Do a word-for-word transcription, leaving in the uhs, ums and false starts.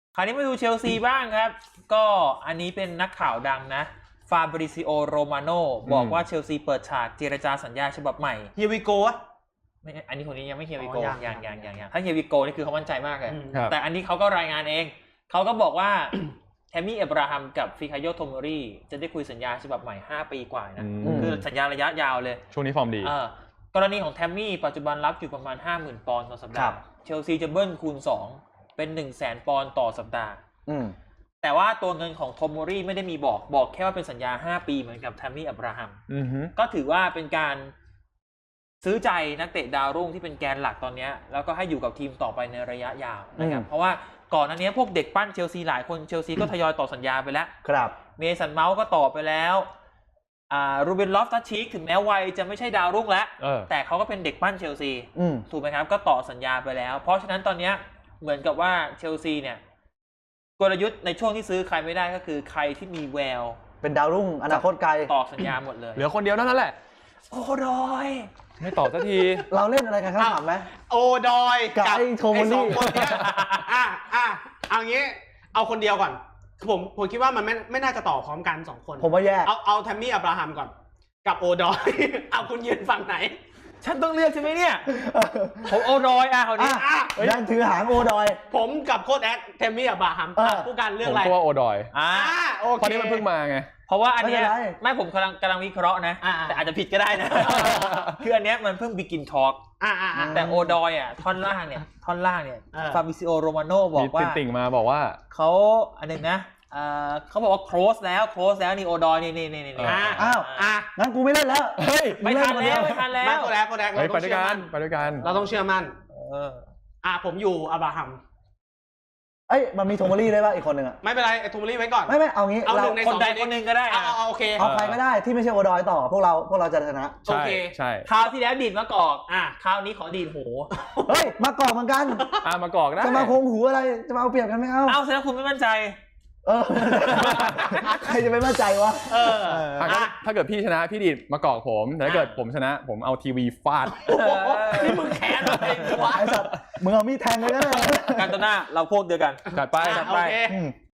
คราวนี้มาดูเชลซีบ้างครับก็อันนี้เป็นนักข่าวดังนะฟาบริซิโอโรมาโนบอกว่าเชลซีเปิดฉากเจรจาสัญญาฉบับใหม่เฮียวิโก้อะไม่อันนี้คนนี้ยังไม่เฮียวิโกอ๋อยัยังงยังยัยังงยังถ้าเฮียวิโกนี่คือเขามั่นใจมากเลยครับแต่อันนี้เขาก็รายงานเองเขาก็บอกว่า แทมมี่เอบราฮัมกับฟิคาโยโทโมรีจะได้คุยสัญญาฉบับใหม่ห้าปีกว่านะคือสัญญาระยะยาวเลยช่วงนี้ฟอร์มดีกรณีของแทมมี่ปัจจุบันรับอยู่ประมาณ ห้าหมื่น ปอนด์ต่อสัปดาห์เชลซีจะเบิ้ลคูณสองเป็น หนึ่งแสน ปอนด์ต่อสัปดาห์แต่ว่าตัวเงินของโทโมรีไม่ได้มีบอกบอกแค่ว่าเป็นสัญญาห้าปีเหมือนกับแทมมี่อับราฮัมก็ถือว่าเป็นการซื้อใจนักเตะดาวรุ่งที่เป็นแกนหลักตอนนี้แล้วก็ให้อยู่กับทีมต่อไปในระยะยาวนะครับเพราะว่าก่อนหน้านี้พวกเด็กปั้นเชลซีหลายคนเชลซีก็ทยอยต่อสัญญาไปแล้วครับเมสันเมาส์ก็ต่อไปแล้วอ่ารูเบนลอฟตัชชีกถึงแม้วัยจะไม่ใช่ดาวรุ่งแล้วแต่เขาก็เป็นเด็กปั้นเชลซีถูกไหมครับก็ต่อสัญญาไปแล้วเพราะฉะนั้นตอนนี้เหมือนกับว่าเชลซีเนี่ยกลยุทธ์ในช่วงที่ซื้อใครไม่ได้ก็คือใครที่มีแววเป็นดาวรุ่งอนาคตไกลต่อสัญญาหมดเลยเหลือคนเดียวเท่านั้นแหละโอ้ดอยไม่ต่อสักทีเราเล่นอะไรกันครับถามไหมโอดอยกับไอ้โทโมรี่สองคนเนี้ยอ่ะอ่ะเอางี้เอาคนเดียวก่อนผมผมคิดว่ามันไม่ไม่น่าจะต่อพร้อมกันสองคนผมว่าแยกเอาเอาแทมมี่อับราฮัมก่อนกับโอดอยเอาคุณยืนฝั่งไหนฉันต้องเลือกใช่ไหมเนี่ยผมโอดอยอ่ะเขานี้ยันถือหางโอดอยผมกับโค้ชแอดแทมมี่อับราฮัมผู้การเลือกอะไรผมตัวโอดอยอ่าโอเคเพราะนี้มันเพิ่งมาไงเพราะว่าอันนี้ไม่ผมกำลังกำลังวิเคราะห์นะแต่อาจจะผิดก็ได้นะคืออันนี้มันเพิ่ง begin talk แต่โอดอยอ่ะท่อนล่างเนี่ยท่อนล่างเนี่ยฟาบิซิโอโรมาโนบอกว่าติ่งมาบอกว่าเขาอันนึงนะเขาบอกว่า close แล้ว close แล้วนี่โอดอยนี่นี่นี่นี่อ้าวอ่ะงั้นกูไม่เล่นแล้วเฮ้ยไม่ทันแล้วไม่ทันแล้วไม่โคแรกโคแรกเราต้องเชื่อมั่นไปด้วยกันเราต้องเชื่อมั่นเอออ่ะผมอยู่อับราฮัมเอ้ยมันมีโทโมรี่ได้ป่ะอีกคนหนึ่งอ่ะไม่เป็นไรไอ้โทโมรี่ไว้ก่อนไม่ไม่เอางี้เอาหนึ่งในสองคนหนึ่งก็ได้เอาเอาโอเคเอาใครก็ได้ที่ไม่ใช่โอดอยต่อพวกเราพวกเราจะชนะโอเคใช่คราวที่แล้วดีดมะกอกอ่ะคราวนี้ขอดีดหูเฮ้ยมากอกเหมือนกันอ่ะมากอกได้จะมาโคงหูอะไรจะมาเอาเปรียบกันไม่เอาเอาแสดงคุณไม่มั่นใจเออใครจะไม่มั่นใจวะเออถ้าเกิดพี่ชนะพี่ดีดมากอกผมแต่ถ้าเกิดผมชนะผมเอาทีวีฟาดนี่มึงแค้นอะไรวะไอ้สัตว์มึงเอามีดแทงเลยนะการตนาเราพวกเดียวกันจัดไปจัดไป